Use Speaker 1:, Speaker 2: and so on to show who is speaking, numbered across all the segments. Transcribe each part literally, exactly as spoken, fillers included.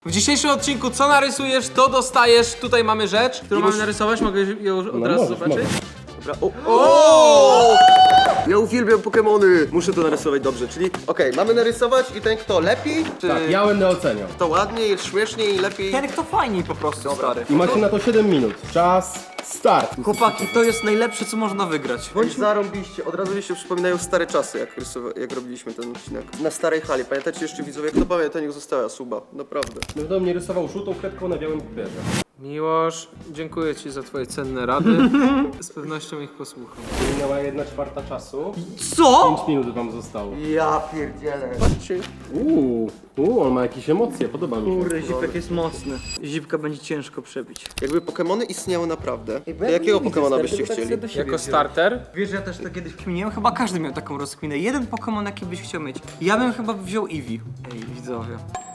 Speaker 1: W dzisiejszym odcinku co narysujesz, to dostajesz. Tutaj mamy rzecz, którą mamy narysować. Mogę ją od
Speaker 2: No
Speaker 1: razu
Speaker 2: możesz,
Speaker 1: zobaczyć?
Speaker 2: możesz.
Speaker 3: Dobra. O, o! Ja uwielbiam Pokemony! Muszę to narysować dobrze, czyli okej, mamy narysować i ten kto lepiej, czy
Speaker 2: Tak, ja będę oceniał.
Speaker 3: kto ładniej, śmieszniej, lepiej.
Speaker 4: Ten kto fajniej po prostu, stary.
Speaker 2: I macie na to siedem minut. Czas, start.
Speaker 4: Chłopaki, to jest najlepsze co można wygrać.
Speaker 3: Bądź zarąbiście, od razu mi się przypominają stare czasy, jak, rysowa- jak robiliśmy ten odcinek. Na starej hali, pamiętacie jeszcze widzowie, kto pamięta, niech została suba, naprawdę.
Speaker 2: Będę mnie rysował żółtą kredką na białym papierze.
Speaker 1: Miłosz, dziękuję ci za twoje cenne rady. Z pewnością ich posłucham.
Speaker 2: Minęła jedna czwarta czasu.
Speaker 4: Co?
Speaker 2: pięć minut wam zostało.
Speaker 3: Ja pierdzielę. Patrzcie.
Speaker 2: Uuu, uuu, on ma jakieś emocje, podoba mi się.
Speaker 4: Kurde, zipek jest mocny. Zipka będzie ciężko przebić.
Speaker 3: Jakby Pokemony istniały naprawdę, to jakiego Pokemona byście chcieli?
Speaker 1: Jako starter?
Speaker 4: Wiesz, że ja też to kiedyś kminiłem, chyba każdy miał taką rozkminę. Jeden Pokémon jaki byś chciał mieć. Ja bym chyba wziął Eevee. Ej, widzowie.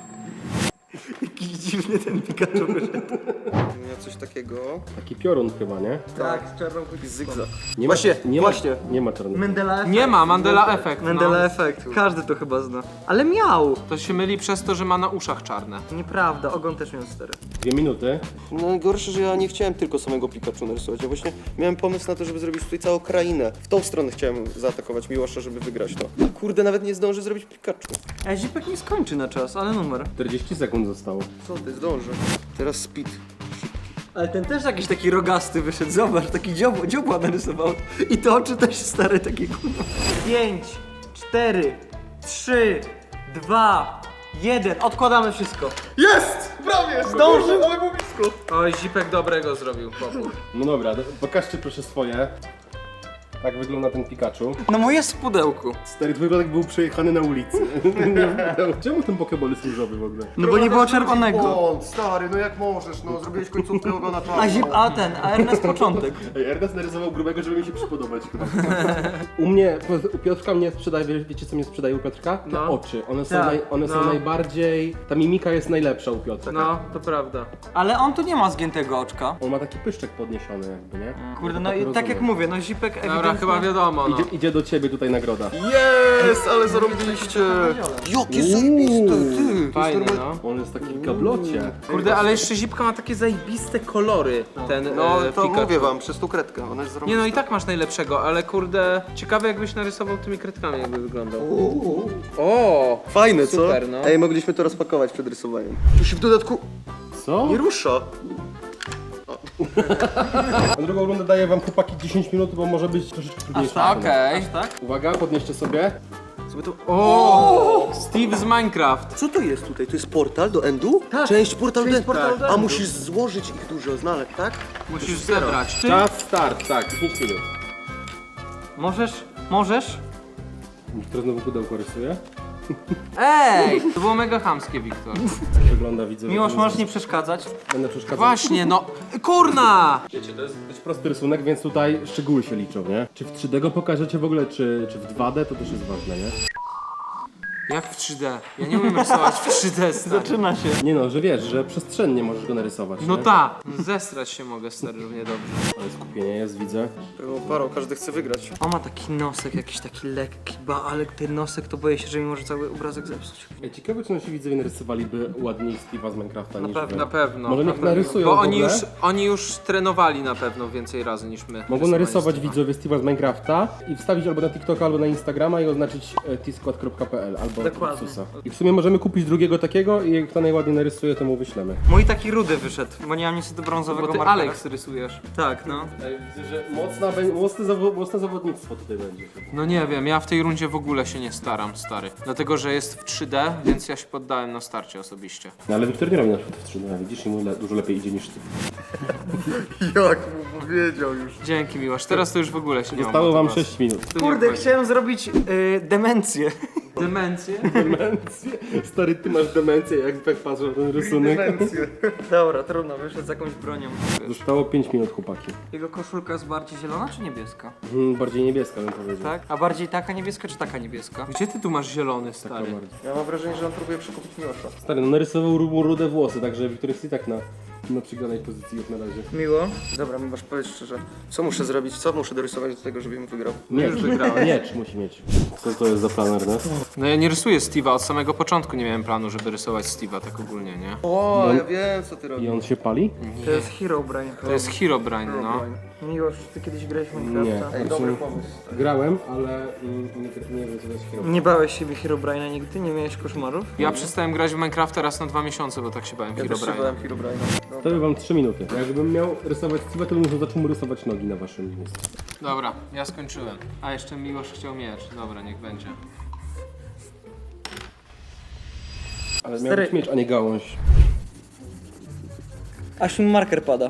Speaker 4: Jakiś dziwny ten Pikachu wyszedł.
Speaker 3: Miał coś takiego.
Speaker 2: Taki piorun chyba, nie?
Speaker 4: Tak, z czarną
Speaker 3: Taki zygzak.
Speaker 2: Nie
Speaker 3: Właśnie,
Speaker 2: ma, nie
Speaker 3: właśnie.
Speaker 2: Ma, nie ma czarnego.
Speaker 4: Mandela efekt.
Speaker 1: Nie ma, Mandela efekt.
Speaker 4: Mandela
Speaker 1: No.
Speaker 4: efekt. Każdy to chyba zna. Ale miał.
Speaker 1: To się myli przez to, że ma na uszach czarne.
Speaker 4: Nieprawda, ogon też miał stary.
Speaker 2: Dwie minuty.
Speaker 3: No gorsze, że ja nie chciałem tylko samego Pikachu narysować. Ja właśnie miałem pomysł na to, żeby zrobić tutaj całą krainę. W tą stronę chciałem zaatakować Miłosza, żeby wygrać to. A kurde, nawet nie zdążę zrobić Pikachu.
Speaker 4: Ej, zipek nie skończy na czas, ale numer.
Speaker 2: czterdzieści sekund zostało.
Speaker 3: Co ty, zdążę. Teraz speed.
Speaker 4: Ale ten też jakiś taki rogasty wyszedł, zobacz, taki dziobła, dziobła narysował. I te oczy też stare, takie kurwa. Pięć, cztery, trzy, dwa, jeden. Odkładamy wszystko.
Speaker 3: Jest! Prawie! Zdążył! Ale było blisko.
Speaker 1: Oj, zipek dobrego zrobił, chłopu.
Speaker 2: No dobra, do- pokażcie proszę swoje. Tak wygląda ten Pikachu.
Speaker 4: No mój jest w pudełku.
Speaker 2: Stary, twój wypadek był przejechany na ulicy. Czemu ten Pokeball jest różowy w ogóle?
Speaker 4: No bo nie było czerwonego.
Speaker 3: Błąd, stary, no jak możesz, no zrobiłeś końcówkę ogona czarną.
Speaker 4: A zip, a ten, a Ernest początek.
Speaker 2: Ej, Ernest narysował grubego, żeby mi się przypodobać. U mnie, u Piotrka mnie sprzedaje, wie- wiecie co mnie sprzedaje u Piotrka? Te
Speaker 1: No.
Speaker 2: oczy. One, są,
Speaker 4: Tak,
Speaker 2: naj, one są
Speaker 1: no.
Speaker 2: najbardziej, ta mimika jest najlepsza u Piotrka.
Speaker 1: No, to prawda.
Speaker 4: Ale on tu nie ma zgiętego oczka.
Speaker 2: On ma taki pyszczek podniesiony jakby, nie?
Speaker 4: Kurde,
Speaker 2: Ja
Speaker 4: no
Speaker 2: to
Speaker 4: i tak jak
Speaker 2: rozumiem.
Speaker 4: mówię, no zipek ewidentnie...
Speaker 1: Dobra, chyba wiadomo, no.
Speaker 2: Idzie, idzie do ciebie tutaj nagroda.
Speaker 3: Jest, ale zarobiliście. Jakie zajebiste, ty.
Speaker 1: Fajny, no.
Speaker 2: On jest taki w gablocie.
Speaker 1: Kurde, ale jeszcze zipka ma takie zajebiste kolory, ten
Speaker 3: No
Speaker 1: e,
Speaker 3: to
Speaker 1: Pikachu.
Speaker 3: mówię wam, przez tą kredkę, ona jest zarobista.
Speaker 1: Nie no i tak masz najlepszego, ale kurde, ciekawe jakbyś narysował tymi kredkami, jakby wyglądał. O,
Speaker 3: Fajne, co?
Speaker 1: Super, no.
Speaker 3: Ej, mogliśmy to rozpakować przed rysowaniem. Tu się w dodatku
Speaker 2: Co?
Speaker 3: nie rusza.
Speaker 2: Na drugą rundę daję wam chłopaki dziesięć minut, bo może być troszeczkę trudniejsze.
Speaker 4: tak?
Speaker 1: okej.
Speaker 4: Tak?
Speaker 2: Uwaga, podnieście sobie.
Speaker 3: Sobie to...
Speaker 1: O, Steve z Minecraft.
Speaker 3: Co to jest tutaj? To jest portal do Endu?
Speaker 4: Tak.
Speaker 3: Część portal
Speaker 4: Część
Speaker 3: do Endu.
Speaker 4: portalu do
Speaker 3: A
Speaker 4: Endu.
Speaker 3: musisz złożyć ich dużo, znaleźć, tak?
Speaker 1: Musisz zebrać. Ty?
Speaker 2: Czas, start, tak, dziesięć minut.
Speaker 4: Możesz? Możesz?
Speaker 2: Kto znowu pudełko rysuje?
Speaker 1: Ej! To było mega chamskie, Wiktor.
Speaker 2: Wygląda, widzę.
Speaker 4: Miłosz, możesz nie przeszkadzać?
Speaker 2: Będę przeszkadzał.
Speaker 1: Właśnie, no. Kurna!
Speaker 2: Wiecie, to jest dość prosty rysunek, więc tutaj szczegóły się liczą, nie? Czy w trzy D go pokażecie w ogóle, czy, czy w dwa D, to też jest ważne, nie?
Speaker 1: Jak w trzy D? Ja nie umiem rysować w trzy D, stary.
Speaker 4: Zaczyna się.
Speaker 2: Nie no, że wiesz, że przestrzennie możesz go narysować,
Speaker 1: No
Speaker 2: nie?
Speaker 1: tak. Zestrać się mogę, stary, równie dobrze.
Speaker 2: Ale skupienie jest, widzę.
Speaker 3: Było parą, każdy chce wygrać.
Speaker 4: On ma taki nosek, jakiś taki lekki, ba, ale ten nosek to boję się, że mi może cały obrazek zepsuć.
Speaker 2: Ej, ciekawe, czy nasi widzowie narysowaliby ładniej Steve'a z Minecrafta niż
Speaker 4: pewno,
Speaker 2: wy.
Speaker 1: Na pewno.
Speaker 2: Może
Speaker 1: na
Speaker 2: niech
Speaker 1: pewno.
Speaker 2: narysują
Speaker 1: Bo
Speaker 2: w
Speaker 1: oni już,
Speaker 2: ogóle.
Speaker 1: oni już trenowali na pewno więcej razy niż my.
Speaker 2: Mogą narysować
Speaker 1: Rysowanie
Speaker 2: widzowie Steve'a z Minecrafta i wstawić albo na TikToka, albo na Instagrama i oznaczyć e, t skład kropka p l albo
Speaker 4: Dokładnie.
Speaker 2: Susa. I w sumie możemy kupić drugiego takiego i jak kto najładniej narysuje, to mu wyślemy.
Speaker 4: Mój taki rudy wyszedł, bo nie mam niestety brązowego
Speaker 1: Bo ty
Speaker 4: markera.
Speaker 1: Alex rysujesz.
Speaker 4: Tak, no.
Speaker 2: Ej, widzę, że mocna, bę- mocne, zawo- mocne zawodnictwo tutaj będzie.
Speaker 1: No nie wiem, ja w tej rundzie w ogóle się nie staram, stary. Dlatego, że jest w trzy D, więc ja się poddałem na starcie osobiście.
Speaker 2: No ale Wiktor nie robi na przykład w trzy D, widzisz, i mu le- dużo lepiej idzie niż ty.
Speaker 3: Jak mu powiedział już.
Speaker 1: Dzięki, Miłosz. Teraz to już w ogóle się nie
Speaker 2: Zostało
Speaker 1: mam
Speaker 2: wam
Speaker 1: motywacji.
Speaker 2: sześć minut.
Speaker 1: Tu nie
Speaker 4: Kurde,
Speaker 1: wchodzi.
Speaker 4: chciałem zrobić y, demencję.
Speaker 1: Demencję?
Speaker 2: Demencję? Stary, ty masz demencję, jak tak patrzę na ten rysunek.
Speaker 4: Dobra, trudno, wyszedł z jakąś bronią.
Speaker 2: Zostało pięć minut, chłopaki.
Speaker 4: Jego koszulka jest bardziej zielona czy niebieska?
Speaker 2: Hmm, bardziej niebieska bym powiedział.
Speaker 4: Tak? A bardziej taka niebieska czy taka niebieska?
Speaker 1: Gdzie ty tu masz zielony,
Speaker 2: Taka
Speaker 1: stary?
Speaker 2: bardziej.
Speaker 3: Ja mam wrażenie, że on próbuje przekupić Miłosza.
Speaker 2: Stary, no narysował ru- mu rude włosy, także Wiktor jest i tak na, na przegranej pozycji jak na razie.
Speaker 4: Miło.
Speaker 3: Dobra, mi masz powiedzieć szczerze, co muszę zrobić, co muszę dorysować do tego, żebym wygrał?
Speaker 2: Miecz,
Speaker 1: Już wygrałem.
Speaker 2: miecz musi mieć. Co to jest za plan, Ernest?
Speaker 1: No ja nie rysuję Steve'a, od samego początku nie miałem planu, żeby rysować Steve'a tak ogólnie, nie?
Speaker 3: O,
Speaker 2: No.
Speaker 3: ja wiem co ty
Speaker 2: I
Speaker 3: robisz.
Speaker 2: on się pali?
Speaker 4: To jest Herobrine.
Speaker 1: To jest Herobrine, no.
Speaker 4: Miłosz, ty kiedyś grałeś w
Speaker 2: Nie.
Speaker 4: Minecrafta?
Speaker 3: Ej, dobry pomysł.
Speaker 2: Grałem, ale mm, nie, nie wiem co to jest hero.
Speaker 4: Nie bałeś siebie Herobrine'a nigdy? Nie miałeś koszmarów?
Speaker 1: Ja przestałem grać w Minecrafta raz na dwa miesiące, bo tak się bałem
Speaker 3: Ja też się
Speaker 1: Herobrine'a.
Speaker 3: bałem Herobrine'a.
Speaker 2: To by wam trzy minuty. Jakbym miał rysować Steve'a, to bym już zaczął mu rysować nogi na waszym miejscu.
Speaker 1: Dobra, ja skończyłem. A jeszcze Miłosz chciał miecz. Dobra, niech będzie.
Speaker 2: Ale miał
Speaker 4: Stary-
Speaker 2: być miecz, a nie gałąź.
Speaker 4: Aż mi marker pada.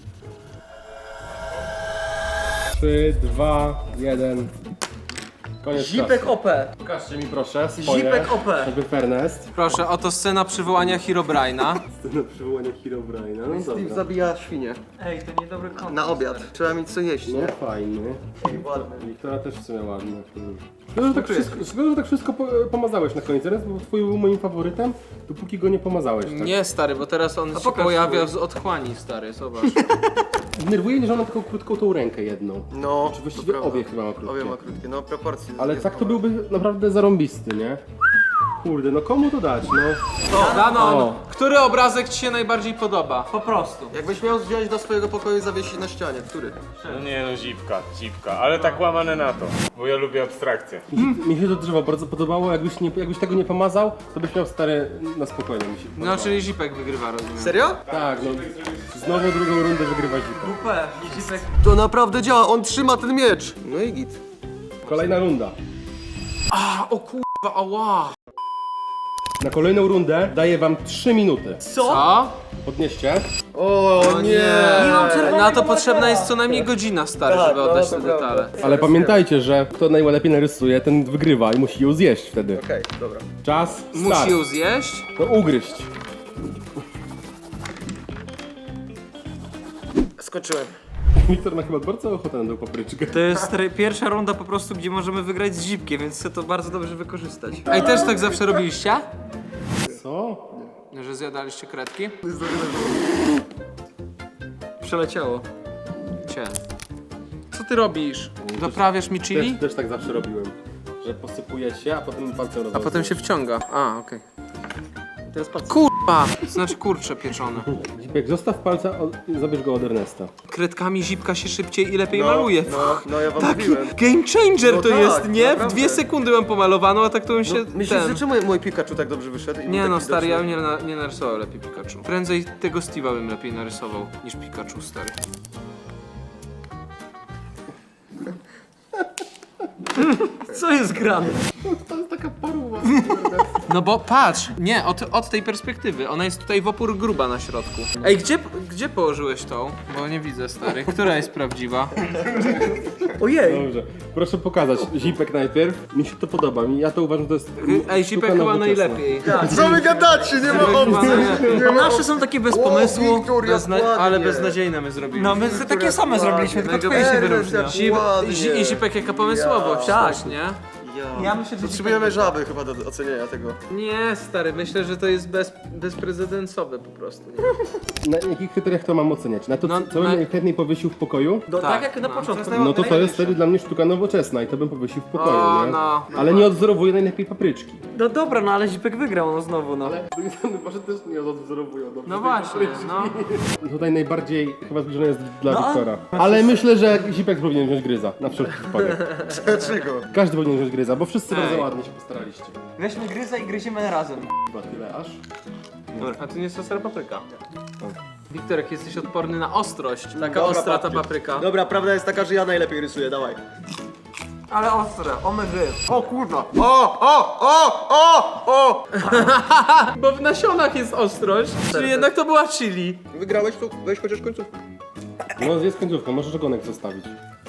Speaker 2: trzy, dwa, jeden. Koniec
Speaker 4: Zipek
Speaker 2: czasu.
Speaker 4: O P.
Speaker 2: Pokażcie mi proszę swoje.
Speaker 4: Zipek O P.
Speaker 2: Jakby Ernest.
Speaker 1: Proszę, oto scena przywołania Herobrine'a.
Speaker 2: Scena przywołania Herobrine'a. No
Speaker 3: Steve
Speaker 2: dobra.
Speaker 3: zabija świnie.
Speaker 4: Ej, to niedobry kontent.
Speaker 3: Na obiad. Trzeba mieć co jeść,
Speaker 2: No
Speaker 3: nie?
Speaker 2: fajny.
Speaker 3: Ładny.
Speaker 2: Wiktora też w sumie ładna. Szkoda, że tak wszystko, szkoda, że tak wszystko po, pomazałeś na koniec, Ernest, bo twój był moim faworytem, dopóki go nie pomazałeś. Tak?
Speaker 1: Nie, stary, bo teraz on się
Speaker 4: pokaż
Speaker 1: pojawia z otchłani, stary, zobacz.
Speaker 2: Denerwuje mnie, że on ma taką krótką tą rękę jedną.
Speaker 3: No,
Speaker 2: Czy właściwie
Speaker 3: to prawda.
Speaker 2: obie chyba ma krótkie.
Speaker 3: Obie ma krótkie, no proporcje.
Speaker 2: Ale
Speaker 3: jest
Speaker 2: tak to
Speaker 3: dobre.
Speaker 2: byłby naprawdę zarąbisty, nie? Kurde, no komu to dać, no?
Speaker 1: Danon,
Speaker 2: O.
Speaker 1: który obrazek ci się najbardziej podoba?
Speaker 4: Po prostu.
Speaker 3: Jakbyś miał wziąć do swojego pokoju i zawiesić na ścianie, który?
Speaker 5: No nie no, zipka, zipka, ale tak łamane na to, bo ja lubię abstrakcję.
Speaker 2: Mi się, mi się to drzewo bardzo podobało, jakbyś, nie, jakbyś tego nie pomazał, to byś miał stary na spokojnie mi się
Speaker 1: No,
Speaker 2: podobało.
Speaker 1: czyli Zipek wygrywa, rozumiem.
Speaker 3: Serio?
Speaker 2: Tak, no. Znowu drugą rundę wygrywa Zipek.
Speaker 4: W P. Zipek.
Speaker 3: To naprawdę działa, on trzyma ten miecz! No i git.
Speaker 2: Kolejna runda.
Speaker 1: A, o kurwa, ała.
Speaker 2: Na kolejną rundę daję wam trzy minuty.
Speaker 1: Co?
Speaker 2: Podnieście.
Speaker 3: O nie!
Speaker 4: Nie mam czerwonego
Speaker 1: Na to
Speaker 4: markera.
Speaker 1: potrzebna jest co najmniej godzina, stary,
Speaker 3: Tak,
Speaker 1: żeby
Speaker 3: no,
Speaker 1: oddać
Speaker 3: to
Speaker 1: te
Speaker 3: prawda.
Speaker 1: detale.
Speaker 2: Ale pamiętajcie, że kto najlepiej narysuje, ten wygrywa i musi ją zjeść wtedy.
Speaker 3: Okej, dobra.
Speaker 2: Czas, start.
Speaker 1: Musi ją zjeść?
Speaker 2: No ugryźć.
Speaker 3: Skończyłem.
Speaker 2: Wiktor ma chyba bardzo ochotę na tą papryczkę.
Speaker 4: To jest stary, pierwsza runda po prostu, gdzie możemy wygrać z Zipkiem, więc chcę to bardzo dobrze wykorzystać.
Speaker 1: Ej, też tak zawsze robiliście?
Speaker 2: Co?
Speaker 1: Że zjadaliście kredki?
Speaker 4: Przeleciało.
Speaker 1: Cię. Co ty robisz? Doprawiasz mi chili?
Speaker 2: Też, też tak zawsze robiłem. Że posypuje się, a potem palcem
Speaker 1: A potem się wciąga. A, okej.
Speaker 4: Teraz patrz.
Speaker 1: Kurwa! Znaczy kurcze pieczone.
Speaker 2: Zipek, zostaw palca od, i zabierz go od Ernesta.
Speaker 1: Kredkami Zipka się szybciej i lepiej maluje.
Speaker 3: No, no ja wam
Speaker 1: Taki
Speaker 3: mówiłem.
Speaker 1: game changer
Speaker 3: No
Speaker 1: to
Speaker 3: tak,
Speaker 1: jest, nie? W
Speaker 3: naprawdę.
Speaker 1: dwie sekundy mam pomalowaną, a tak to bym się
Speaker 3: No, myślisz,
Speaker 1: ten...
Speaker 3: że czemu mój Pikachu tak dobrze wyszedł? i był
Speaker 1: Nie
Speaker 3: taki
Speaker 1: no, stary, ja bym
Speaker 3: widoczny?
Speaker 1: nie, na, nie narysował lepiej Pikachu. Prędzej tego Steve'a bym lepiej narysował niż Pikachu, stary.
Speaker 4: Co jest grane?
Speaker 1: No bo patrz, nie, od, od tej perspektywy, ona jest tutaj w opór gruba na środku. Ej, gdzie, gdzie położyłeś tą? Bo nie widzę, stary. Która jest prawdziwa?
Speaker 4: Ojej.
Speaker 2: Dobrze. Proszę pokazać Zipek najpierw. Mi się to podoba. Mi- Ja to uważam, że to jest
Speaker 1: Ej,
Speaker 2: sztuka
Speaker 1: Zipek chyba
Speaker 2: nowoczesna.
Speaker 1: najlepiej.
Speaker 3: Co wy gadacie? Nie ma
Speaker 1: Zipek chyba
Speaker 3: opcji!
Speaker 1: najlepiej.
Speaker 4: A nasze są takie bez pomysłu.
Speaker 3: Wiktor, jak
Speaker 1: Bezna-
Speaker 3: ładnie.
Speaker 1: ale beznadziejne my zrobiliśmy.
Speaker 4: No my takie same zrobiliśmy, tylko twoje się
Speaker 3: Ernest,
Speaker 4: wyróżnia.
Speaker 3: jak
Speaker 1: Zip,
Speaker 3: ładnie.
Speaker 1: Zi- I Zipek jaka pomysłowość,
Speaker 3: Ja.
Speaker 1: też, nie?
Speaker 3: Ja.
Speaker 4: Ja myślę, że
Speaker 3: Potrzebujemy żaby chyba do ocenienia tego.
Speaker 1: Nie, stary, myślę, że to jest bez, bezprecedensowe po prostu. Nie?
Speaker 2: Na jakich kryteriach to mam oceniać? Na to,
Speaker 1: No,
Speaker 2: co bym
Speaker 1: na-
Speaker 2: najchętniej powiesił w pokoju?
Speaker 4: No, tak,
Speaker 1: Tak,
Speaker 4: jak na
Speaker 1: no.
Speaker 4: początku.
Speaker 2: No to to jest wtedy dla mnie sztuka nowoczesna i to bym powiesił w pokoju,
Speaker 1: O,
Speaker 2: nie?
Speaker 1: no.
Speaker 2: Ale nie odwzorowuję najlepiej papryczki.
Speaker 4: No dobra, no ale Zipek wygrał, no znowu, no.
Speaker 2: Może też nie odwzorowują dobrze.
Speaker 1: No właśnie, no.
Speaker 2: Tutaj najbardziej chyba zbliżone jest dla
Speaker 4: No, a-
Speaker 2: Wiktora. Ale myślę, że Zipek powinien wziąć gryza, na wszelki wypadek.
Speaker 3: Dlaczego?
Speaker 2: Każdy powinien wziąć gryza, bo wszyscy
Speaker 1: Ej.
Speaker 2: bardzo ładnie się postaraliście.
Speaker 4: Weźmy gryza i gryziemy razem.
Speaker 2: Chyba tyle aż.
Speaker 1: A to nie jest ostra papryka. Wiktor, jak jesteś odporny na ostrość. Taka
Speaker 3: Dobra,
Speaker 1: ostra ta
Speaker 3: papryk.
Speaker 1: papryka.
Speaker 3: Dobra, prawda jest taka, że ja najlepiej rysuję, dawaj.
Speaker 4: Ale ostre, omygy.
Speaker 3: O kurwa! O, o, o, o, o!
Speaker 1: Bo w nasionach jest ostrość, czyli jednak to była chili.
Speaker 3: Wygrałeś tu? Weź chociaż końcówkę.
Speaker 2: No jest końcówka, możesz ogonek zostawić.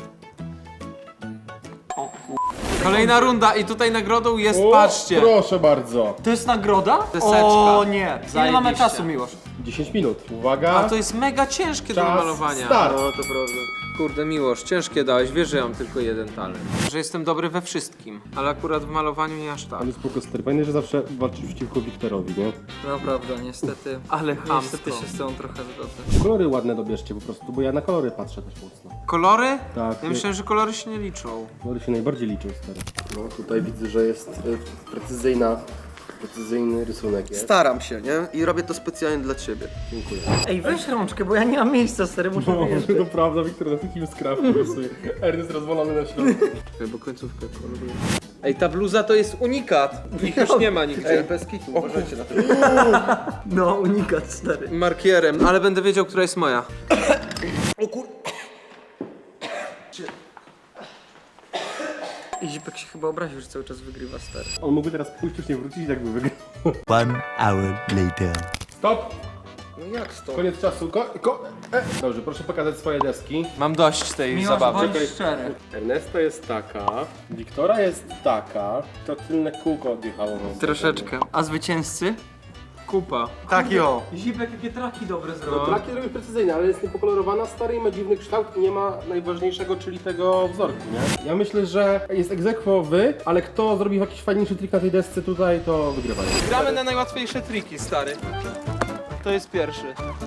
Speaker 1: Kolejna runda i tutaj nagrodą jest,
Speaker 2: O,
Speaker 1: patrzcie.
Speaker 2: proszę bardzo.
Speaker 4: To jest nagroda?
Speaker 1: Deseczka.
Speaker 4: O nie. Ile
Speaker 1: Zajebiście.
Speaker 4: mamy czasu, Miłosz?
Speaker 2: dziesięć minut. Uwaga.
Speaker 1: A to jest mega ciężkie do
Speaker 2: Czas,
Speaker 1: malowania.
Speaker 2: start.
Speaker 3: No, to prawda.
Speaker 1: Kurde, Miłosz, ciężkie dałeś, wiesz, że ja mam tylko jeden talent. Że jestem dobry we wszystkim, ale akurat w malowaniu nie aż tak.
Speaker 2: Ale spoko, stary. Fajne, że zawsze walczysz przeciwko Wiktorowi, nie?
Speaker 4: No prawda, niestety.
Speaker 1: Ale chamsko.
Speaker 4: Niestety się z tą trochę zgodzę.
Speaker 2: Kolory ładne dobierzcie po prostu, bo ja na kolory patrzę też mocno.
Speaker 1: Kolory?
Speaker 2: Tak.
Speaker 1: Ja myślałem, że kolory się nie liczą.
Speaker 2: Kolory się najbardziej liczą, stary. No tutaj widzę, że jest e, precyzyjna, precyzyjny rysunek jest.
Speaker 3: Staram się, nie? I robię to specjalnie dla ciebie.
Speaker 2: Dziękuję.
Speaker 4: Ej, weź rączkę, bo ja nie mam miejsca, stary, muszę
Speaker 2: No,
Speaker 4: wyjeżdżać.
Speaker 2: to prawda, Wiktor na takim skrawku rysuje. Ernest rozwalony na środku.
Speaker 1: Czekaj, bo końcówkę koloruję. Ej, ta bluza to jest unikat. Ich już nie ma nigdzie.
Speaker 3: Ej, bez kitu, uważajcie na to.
Speaker 4: No, unikat, stary.
Speaker 1: Markierem, ale będę wiedział, która jest moja.
Speaker 4: I Zipek się chyba obraził, że cały czas wygrywa, stary.
Speaker 2: On mógłby teraz pójść, już nie wrócić i tak by wygrał.
Speaker 6: One hour later.
Speaker 2: Stop!
Speaker 3: No jak stop?
Speaker 2: Koniec czasu. Ko, ko, e. Dobrze, proszę pokazać swoje deski.
Speaker 1: Mam dość tej
Speaker 4: Miłosz,
Speaker 1: zabawy.
Speaker 4: bądź szczery.
Speaker 2: Ernesta jest taka, Wiktora jest taka, to tylne kółko odjechało. nam.
Speaker 4: Troszeczkę. A zwycięzcy?
Speaker 1: Kupa.
Speaker 3: Tak jo.
Speaker 4: Zipek, jakie traki dobre
Speaker 2: No,
Speaker 4: zrobił.
Speaker 2: traki robi precyzyjnie, ale jest niepokolorowana, stary i ma dziwny kształt i nie ma najważniejszego, czyli tego wzorku, nie? Ja myślę, że jest egzekwowy, ale kto zrobi jakiś fajniejszy trik na tej desce tutaj, to wygrywa.
Speaker 1: Gramy na najłatwiejsze triki, stary. To jest pierwszy.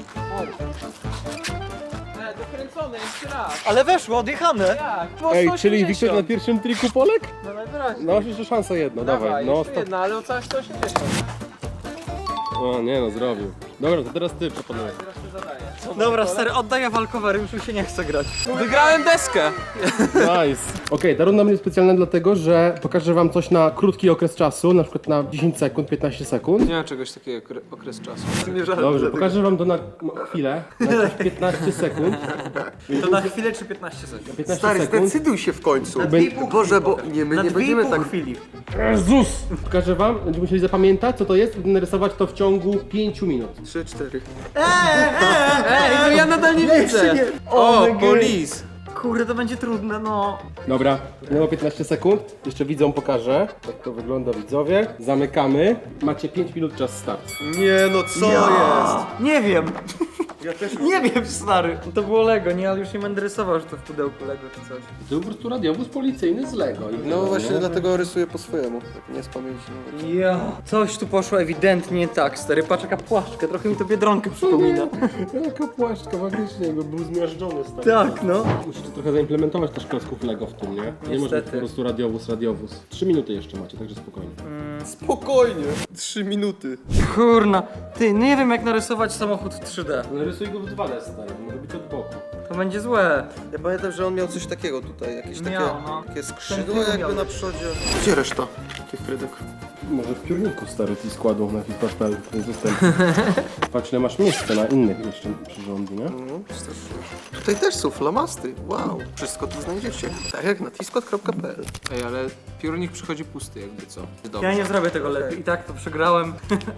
Speaker 1: E, dokręcone, jeszcze raz.
Speaker 4: Ale weszło, odjechane.
Speaker 1: Tak, po
Speaker 2: Ej,
Speaker 1: sto osiemdziesiąt.
Speaker 2: czyli Wiktor na pierwszym triku Polek?
Speaker 1: No najwyraźniej.
Speaker 2: No masz jeszcze szansę jedno, dawaj.
Speaker 1: Dawaj,
Speaker 2: No,
Speaker 1: jeszcze
Speaker 2: stop.
Speaker 1: jedna, ale o całe sto osiemdziesiąt.
Speaker 2: O nie no, zrobił. Dobra, to teraz ty proponuję.
Speaker 1: Teraz to zadaję.
Speaker 4: Dobra, stary, oddaję walkowery, już mi się nie chce grać.
Speaker 1: Wygrałem deskę.
Speaker 2: Nice. Okej, ta runda będzie specjalna dlatego, że pokażę wam coś na krótki okres czasu, na przykład na dziesięć sekund, piętnaście sekund.
Speaker 1: Nie ma czegoś takiego okre- okres czasu.
Speaker 2: Dobrze, pokażę wam to na no, chwilę, na jakieś piętnaście sekund.
Speaker 4: To na chwilę czy piętnaście sekund?
Speaker 2: piętnaście
Speaker 3: Stary,
Speaker 2: sekund.
Speaker 3: zdecyduj się w końcu.
Speaker 4: dwie i pół
Speaker 3: Boże, bo
Speaker 4: chwili
Speaker 3: nie, my
Speaker 4: Na
Speaker 3: nie
Speaker 4: dwie i
Speaker 3: będziemy
Speaker 4: pół
Speaker 3: tak...
Speaker 4: chwili.
Speaker 2: Jezus! Pokażę wam, będziemy musieli zapamiętać co to jest i narysować to w ciągu pięciu minut.
Speaker 3: Trzy, cztery.
Speaker 1: Ej, no ja nadal nie widzę. O,
Speaker 4: Oh my God.
Speaker 1: police.
Speaker 4: Kurde, to będzie trudne, no.
Speaker 2: Dobra, minęło piętnaście sekund. Jeszcze widzom pokażę, jak to wygląda widzowie. Zamykamy. Macie pięć minut czas start.
Speaker 3: Nie no, co jest?
Speaker 4: Nie wiem. Ja też nie wiem, stary. To było Lego, nie, ale już nie będę rysował, że to w pudełku Lego czy coś.
Speaker 2: To był po prostu radiowóz policyjny z Lego. I
Speaker 3: No
Speaker 2: tyle,
Speaker 3: właśnie
Speaker 2: nie?
Speaker 3: dlatego rysuję po swojemu. Tak nie z pamięci. nawet.
Speaker 4: Ja. Coś tu poszło ewidentnie nie tak, stary. Patrz jaka płaszczka, trochę mi to Biedronkę przypomina.
Speaker 2: Jaka płaszczka, faktycznie, jakby był zmiażdżony stary.
Speaker 4: Tak, no.
Speaker 2: Musicie trochę zaimplementować też klocków Lego w tym, nie? Nie może być
Speaker 4: Niestety.
Speaker 2: po prostu radiowóz, radiowóz. Trzy minuty jeszcze macie, także spokojnie.
Speaker 3: Spokojnie. Trzy minuty.
Speaker 4: Kurna. Ty, nie wiem jak narysować samochód w trzy D.
Speaker 2: Narysuj go w dwa D stary, może być od boku.
Speaker 4: To będzie złe.
Speaker 3: Ja pamiętam, że on miał coś takiego tutaj, jakieś takie,
Speaker 4: Miał, no.
Speaker 3: takie
Speaker 4: Ten
Speaker 3: skrzydła
Speaker 4: tył
Speaker 3: jakby
Speaker 4: miał.
Speaker 3: na przodzie. Gdzie reszta tych krydek?
Speaker 2: Może w piórniku stary ci składów na Fitpad.pl ten system. Patrz, ile masz miejsca na innych jeszcze przyrządy, nie?
Speaker 3: No, strasznie. Tutaj też są flamasty. Wow. Wszystko tu znajdziecie. Tak jak na tiskot kropka p l.
Speaker 1: Ej, ale piórnik przychodzi pusty jakby co. Dobrze.
Speaker 4: Ja nie zrobię tego lepiej. I tak to przegrałem.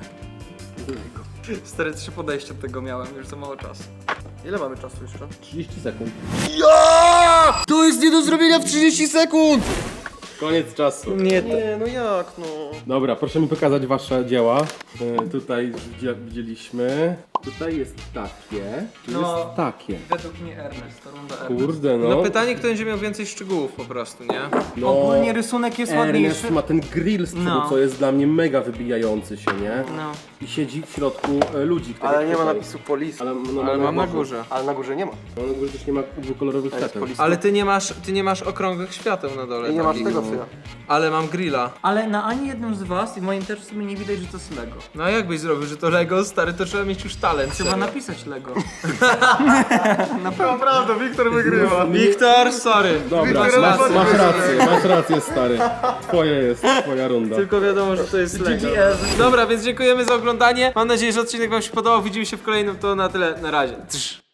Speaker 4: Stary, trzy podejścia do tego miałem, już za mało czasu.
Speaker 3: Ile mamy czasu jeszcze?
Speaker 2: trzydzieści sekund.
Speaker 3: Ja! To jest nie do zrobienia w trzydzieści sekund!
Speaker 2: Koniec czasu.
Speaker 4: Nie,
Speaker 3: Nie, no jak no?
Speaker 2: Dobra, proszę mi pokazać wasze dzieła. E, tutaj już widzia- widzieliśmy. Tutaj jest takie. Tu
Speaker 4: No.
Speaker 2: jest takie.
Speaker 4: Według mnie Ernest, to runda Ernest.
Speaker 2: Kurde no.
Speaker 1: No pytanie, kto będzie miał więcej szczegółów po prostu, nie?
Speaker 2: no.
Speaker 4: Ogólnie rysunek jest ładniejszy.
Speaker 2: Ernest ma ten grill z przodu,
Speaker 4: No.
Speaker 2: co jest dla mnie mega wybijający się, nie?
Speaker 4: No.
Speaker 2: I siedzi w środku e, ludzi, których
Speaker 3: Ale nie ma
Speaker 2: tutaj-
Speaker 3: napisu police.
Speaker 2: Ale, no,
Speaker 1: Ale mam na górze.
Speaker 3: Ale na górze nie ma.
Speaker 2: No, na górze też nie ma dwukolorowych
Speaker 3: jest
Speaker 2: świateł.
Speaker 3: policja.
Speaker 1: Ale ty nie masz, ty nie masz okrągłych świateł na dole.
Speaker 3: I nie masz
Speaker 1: takich.
Speaker 3: tego co ja.
Speaker 1: Ale mam grilla.
Speaker 4: Ale na ani jednym z was i moim też w sumie nie widać, że to jest Lego.
Speaker 1: No a jakbyś zrobił, że to Lego, stary, to trzeba mieć już talent.
Speaker 4: Trzeba
Speaker 1: serio.
Speaker 4: napisać Lego.
Speaker 3: Naprawdę, Wiktor wygrywa.
Speaker 1: Wiktor, sorry.
Speaker 2: Dobra,
Speaker 1: Wiktor,
Speaker 2: masz,
Speaker 1: sorry.
Speaker 2: masz rację, masz rację stary. Twoje jest, twoja runda.
Speaker 1: Tylko wiadomo, że to jest Lego.
Speaker 4: G G S.
Speaker 1: Dobra, więc dziękujemy za oglądanie. Mam nadzieję, że odcinek wam się podobał. Widzimy się w kolejnym, to na tyle. Na razie. Trz.